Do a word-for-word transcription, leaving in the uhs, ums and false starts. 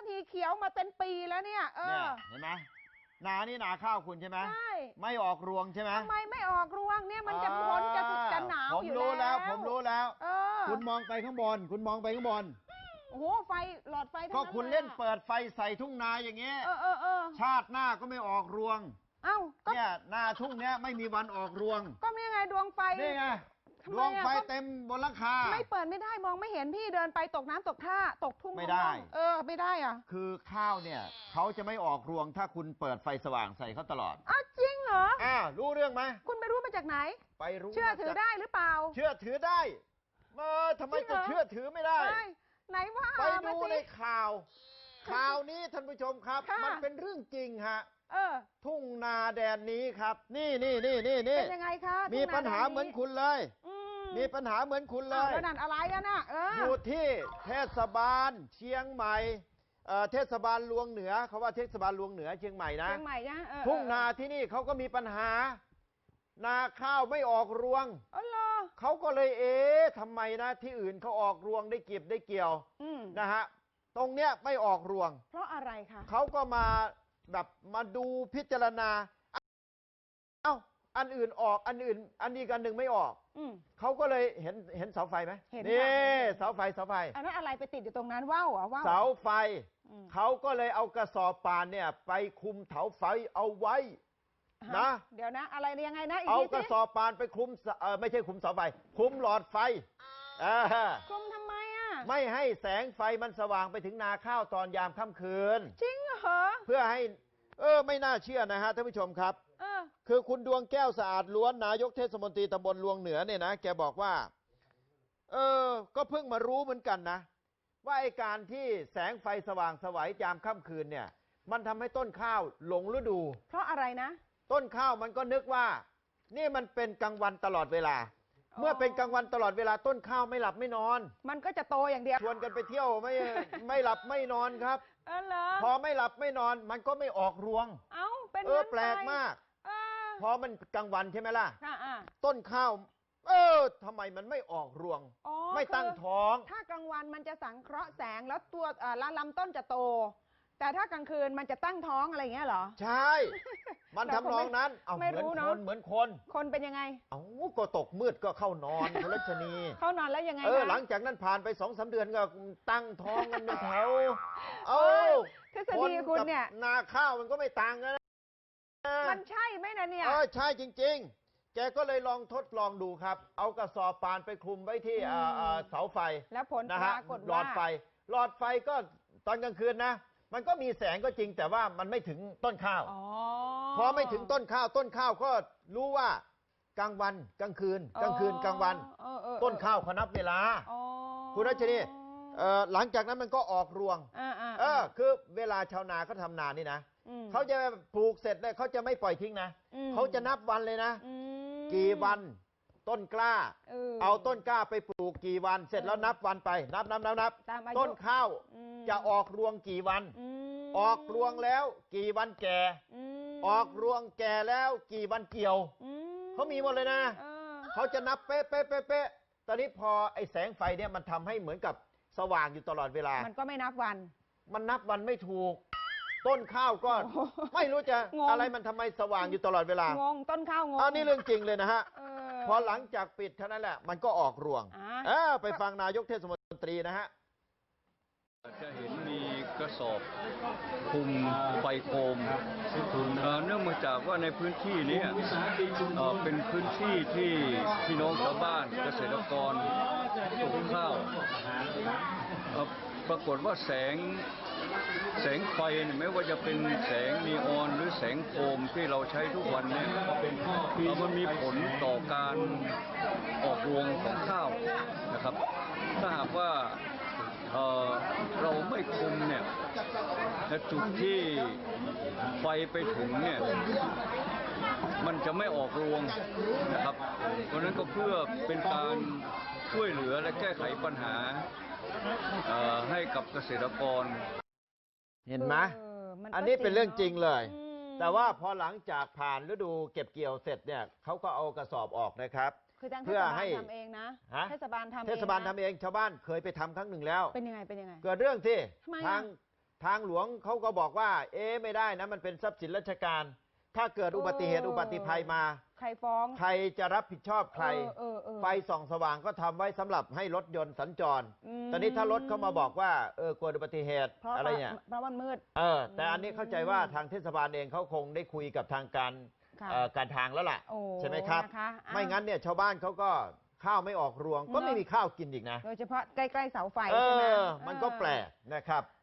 ทีเขียวมาเป็นปีแล้วเนี่ยเออเห็นไหมนานี่นาข้าวคุณใช่ไหมใช่ไม่ออกรวงใช่ไหมทำไมไม่ออกรวงเนี่ยมันจะพ้นจะจะหนาวอยู่แล้วผมรู้แล้วผมรู้แล้วเออคุณมองไปข้างบนคุณมองไปข้างบนโอ้โหไฟหลอดไฟทั้งก็นั้นคุณเล่นเปิดไฟใส่ทุ่งนาอย่างเงี้ยเออเออเออชาติหน้าก็ไม่ออกรวงเอ้าเนี่ยนาทุ่งเนี้ยไม่มีวันออกรวงก็มีไงดวงไฟนี่ไงดวงไฟเต็มบนหลังคาไม่เปิดไม่ได้มองไม่เห็นพี่เดินไปตกน้ำตกท่าตกทุ่งไม่ได้เออไม่ได้อ่ะคือข้าวเนี่ยเขาจะไม่ออกรวงถ้าคุณเปิดไฟสว่างใส่เขาตลอดอ้าวจริงเหรออ่ารู้เรื่องไหมคุณไปรู้มาจากไหนไปรู้เชื่อถือได้หรือเปล่าเชื่อถือได้เออทำไมจะเชื่อถือไม่ได้ไหนว่าไปดูในข่าวข่าวนี้ท่านผู้ชมครับมันเป็นเรื่องจริงฮะเออทุ่งนาแดนนี้ครับนี่นี่นี่นี่นี่เป็นยังไงคะมีปัญหาเหมือนคุณเลยมีปัญหาเหมือนคุณเลยแล้วนั่นอะไรกันน่ะอยู่ที่เทศบาลเชียงใหม่เทศบาลลวงเหนือเขาว่าเทศบาลลวงเหนือเชียงใหม่นะเชียงใหม่นะทุ่งนาที่นี่เขาก็มีปัญหานาข้าวไม่ออกรวงอ๋อเหรอเขาก็เลยเอ๊ะทำไมนะที่อื่นเขาออกรวงได้เก็บได้เกี่ยวนะฮะตรงเนี้ยไม่ออกรวงเพราะอะไรคะเขาก็มาแบบมาดูพิจารณาเอ้าอันอื่นออกอันอื่นอันนี้กันหนึ่งไม่ออกเขาก็เลยเห็นเห็นเสาไฟไหมเห็นนี่เสาไฟเสาไฟอันนั้นอะไรไปติดอยู่ตรงนั้นว่าวอ่ะว่าวเสาไฟเขาก็เลยเอากระสอบป่านเนี่ยไปคุมเสาไฟเอาไว้นะเดี๋ยวนะอะไรยังไงนะเอากระสอบป่านไปคุมเออไม่ใช่คุมเสาไฟคุมหลอดไฟคุมทำไมอ่ะไม่ให้แสงไฟมันสว่างไปถึงนาข้าวตอนยามค่ำคืนจริงเหรอเพื่อให้เออไม่น่าเชื่อนะฮะท่านผู้ชมครับคือคุณดวงแก้วสะอาดล้วนนายกเทศมนตรีตำบลลวงเหนือเนี่ยนะแกบอกว่าเออก็เพิ่งมารู้เหมือนกันนะว่าไอ้การที่แสงไฟสว่างสวัยยามค่ำคืนเนี่ยมันทำให้ต้นข้าวหลงฤดูเพราะอะไรนะต้นข้าวมันก็นึกว่านี่มันเป็นกลางวันตลอดเวลาเมื่อเป็นกลางวันตลอดเวลาต้นข้าวไม่หลับไม่นอนมันก็จะโตอย่างเดียวชวนกันไปเที่ยวไม่ไม่หลับไม่นอนครับเออเหรอพอไม่หลับไม่นอนมันก็ไม่ออกรวงเอ้าเป็นเออแปลกมากพอมันกลางวันใช่ไหมล่ะต้นข้าวเออทำไมมันไม่ออกรวงไม่ตั้งท้องถ้ากลางวันมันจะสังเคราะห์แสงแล้วตัวลำต้นจะโตแต่ถ้ากลางคืนมันจะตั้งท้องอะไรอย่างเงี้ยเหรอใช่มันทำนองนั้นเอาเหมือนคนเหมือนคนคนเป็นยังไงเอ้าก็ตกมืดก็เข้านอนคุณรัชนีเข้านอนแล้วยังไงเออหลังจากนั้นผ่านไปสองสาเดือนก็ตั้งท้องกันเป็นแถวเอ้ทฤษฎีคุณเนี่ยนาข้าวมันก็ไม่ต่างกันมันใช่ไหมนะเนี่ยเออใช่จริงๆแกก็เลยลองทดลองดูครับเอากระสอบป่านไปคลุมไว้ที่เสาไฟแล้วผลปรากฏว่าหลอดไฟหลอดไฟก็ตอนกลางคืนนะมันก็มีแสงก็จริงแต่ว่ามันไม่ถึงต้นข้าวพอไม่ถึงต้นข้าวต้นข้าวก็รู้ว่ากลางวันกลางคืนกลางคืนกลางวันต้นข้าวเขานับเวลาคุณรัชนีหลังจากนั้นมันก็ออกรวงเออคือเวลาชาวนาเขาทำนานี่นะเขาจะปลูกเสร็จเลยเขาจะไม่ปล่อยทิ้งนะเขาจะนับวันเลยนะกี่วันต้นกล้าเอาต้นกล้าไปปลูกกี่วันเสร็จแล้วนับวันไปนับนับนับนับต้นข้าวจะออกรวงกี่วันออกรวงแล้วกี่วันแก่ออกรวงแก่แล้วกี่วันเกี่ยวเขามีหมดเลยนะเขาจะนับเป๊ะเป๊ะเป๊ะเป๊ะตอนนี้พอไอ้แสงไฟเนี่ยมันทำให้เหมือนกับสว่างอยู่ตลอดเวลามันก็ไม่นับวันมันนับวันไม่ถูกต้นข้าวก็ไม่รู้จะอะไรมันทำไมสว่างอยู่ตลอดเวลางงต้นข้าวงงอันนี้เรื่องจริงเลยนะฮะพอหลังจากปิดเท่านั้นแหละมันก็ออกรวงเออไปฟังนายกเทศมนตรีนะฮะจะเห็นมีกระสอบคุมไฟโคมเนื่องมาจากว่าในพื้นที่นี้เป็นพื้นที่ที่พี่น้องชาวบ้านเกษตรกรปลูกข้าวปรากฏว่าแสงแสงไฟไม่ว่าจะเป็นแสงนีออนหรือแสงโคมที่เราใช้ทุกวันนี้มันมีผลต่อการออกรวงของข้าวนะครับถ้าหากว่าเเราไม่คุมเนี่ยจุดที่ไฟไปถึงเนี่ยมันจะไม่ออกรวงนะครับเพราะนั้นก็เพื่อเป็นการช่วยเหลือและแก้ไขปัญหาให้กับเกษตรกรเห็นไหมอันนี้เป็นเรื่องจริงเลยแต่ว่าพอหลังจากผ่านฤดูเก็บเกี่ยวเสร็จเนี่ยเขาก็เอากระสอบออกนะครับเพื่อให้ทำเองนะเทศบาลทำเองเทศบาลทำเองชาวบ้านเคยไปทำครั้งหนึ่งแล้วเป็นยังไงเป็นยังไงเกิดเรื่องที่ทางทางหลวงเขาก็บอกว่า เอ๊ะไม่ได้นะมันเป็นทรัพย์สินราชการ ถ้าเกิดอุบัติเหตุเอออุบัติภัยมาใครฟ้องใครจะรับผิดชอบใครเออเออเออไฟส่องสว่างก็ทำไว้สำหรับให้รถยนต์สัญจรอืมตอนนี้ถ้ารถเขามาบอกว่าเออเกิดอุบัติเหตุเพราะอะไรเนี่ยเพราะมันมืดเออแต่อันนี้เข้าใจว่าทางเทศบาลเองเขาคงได้คุยกับทางการค่ะเอ่อการทางแล้วล่ะโอ้ใช่ไหมครับนะคะอ้าวไม่งั้นเนี่ยชาวบ้านเขาก็ข้าวไม่ออกรวง ก็ไม่เนอะมีข้าวกินอีกนะโดยเฉพาะใกล้ๆเสาไฟเอใช่ไหมอมันก็แปลกนะครับ